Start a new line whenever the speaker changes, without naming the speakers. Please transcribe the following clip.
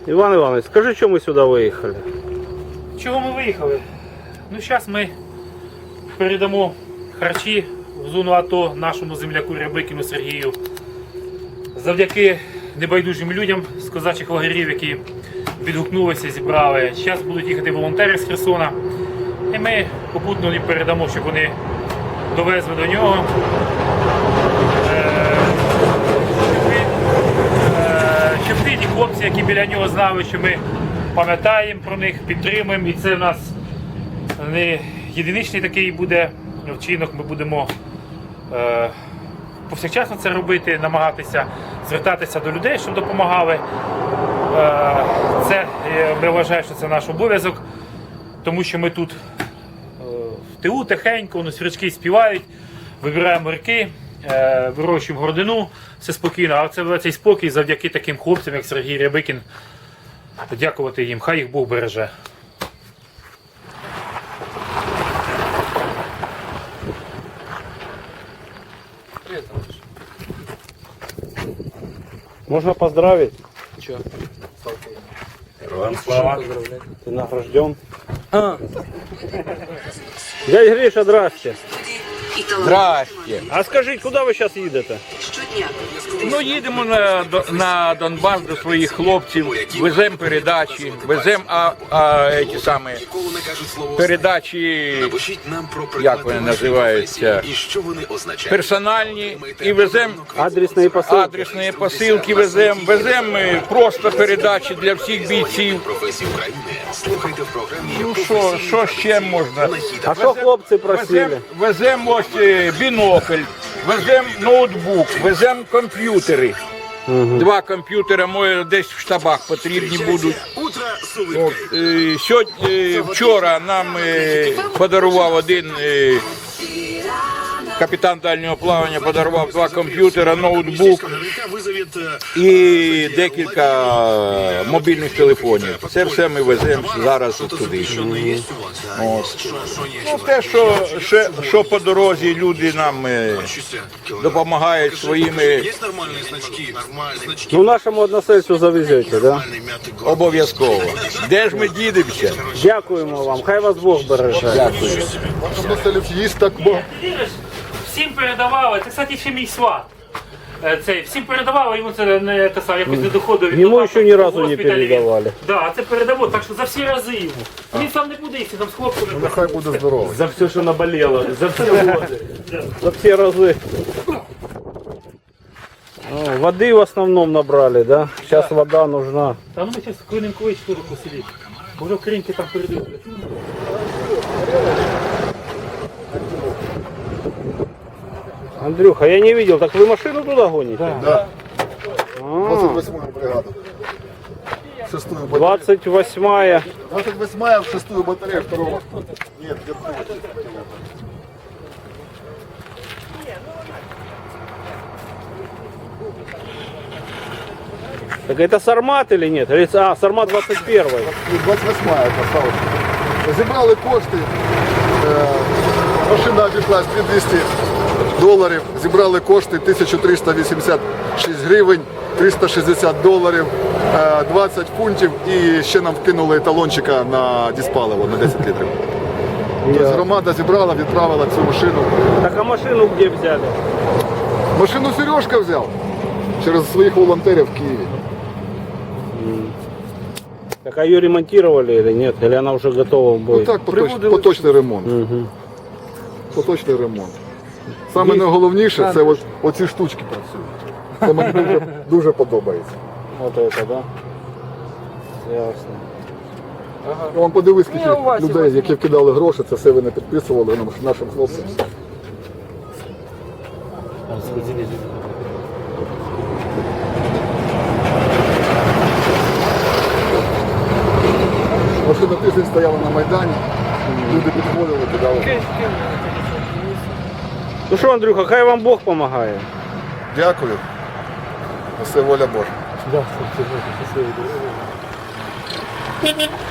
Іван Іванович, скажи, чому ми сюди виїхали?
Чого ми виїхали? Ну, зараз ми передамо харчі в зону АТО нашому земляку Рябикіну Сергію. Завдяки небайдужим людям з козачих лагерів, які відгукнулися, зібрали. Зараз будуть їхати волонтери з Херсона. І ми попутно їм передамо, щоб вони довезли до нього. Щоб ті хлопці, які біля нього знали, що ми пам'ятаємо про них, підтримуємо. І це в нас не єдиничний такий буде вчинок. Ми будемо повсякчасно це робити, намагатися звертатися до людей, щоб допомагали. Це, я вважаю, що це наш обов'язок, тому що ми тут в тилу тихенько, свірчки співають, вибираємо ріки, вирощуємо городину, все спокійно. А це цей спокій завдяки таким хлопцям, як Сергій Рябикін. Дякувати їм, хай їх Бог береже.
Можно поздравить?
Че?
Слава. Ты награжден. Дядя Гриша, здрасте.
Здрасте.
А скажіть, куди ви зараз їдете?
Ну, їдемо на Донбас до своїх хлопців, веземо передачі, веземо передачі, як вони називаються, персональні, і веземо адресні посилки, веземо просто передачі для всіх бійців. Ну, що ще можна?
А що хлопці просили?
Веземо ось бінокль, веземо ноутбук, веземо комп'ютери. Два комп'ютери мої десь в штабах потрібні будуть. Вчора нам подарував один капітан дальнього плавання, подарував два комп'ютера, ноутбук і декілька мобільних телефонів. Це все ми веземо зараз туди. Ну, те, що по дорозі люди нам допомагають своїми...
Ну, нашому односельцю завезете, да?
Обов'язково. Де ж ми дідемося?
Дякуємо вам, хай вас Бог береже.
Дякую.
Всім передавали, це, кстати, ще мій сват. Всім передавали, йому це не те саме, якось не доходило.
Йому ще ні разу не передавали.
Так, це передамо, так що за всі рази йому. Він сам не буде, якщо там з хлопцями.
Нехай буде здоровий.
За все, що наболело, за всі годы, за всі рази. Воды в основном набрали, да? Сейчас вода нужна.
Та ну ми зараз клинем колись туди посидіти. Може кринки там передають.
Андрюха, я не видел, так вы машину туда гоните?
Да. 28-я бригада. 6-ю батарею.
28-я.
28-я в 6-ю батарею 2-го. Нет, где-то.
Так это Сармат или нет? А, Сармат 21-й.
28-я осталась. Зібрали кошти. Машина обійшлась $2200. Зібрали кошти 1386 гривень, $360, 20 фунтів і ще нам вкинули талончика на дизпаливо на 10 літрів. Тобто громада зібрала, відправила цю машину.
Так а машину где взяли?
Машину Сережка взяв через своїх волонтерів в Києві.
Так а ее ремонтировали или нет? Или она уже готова в бой?
Ну так, поточний ремонт. Поточний ремонт. Саме найголовніше це оці штучки працюють. Це мені дуже подобається.
Вот это, да? Ясно.
Я вам подивись, скільки людей, які вкидали гроші, це все ви не підписували нашим хлопцям. Машина тиждень стояла на Майдані, люди підходили, кидали.
Ну что, Андрюха, хай вам Бог помогает.
Дякую. Все воля Божа.
Да, спасибо.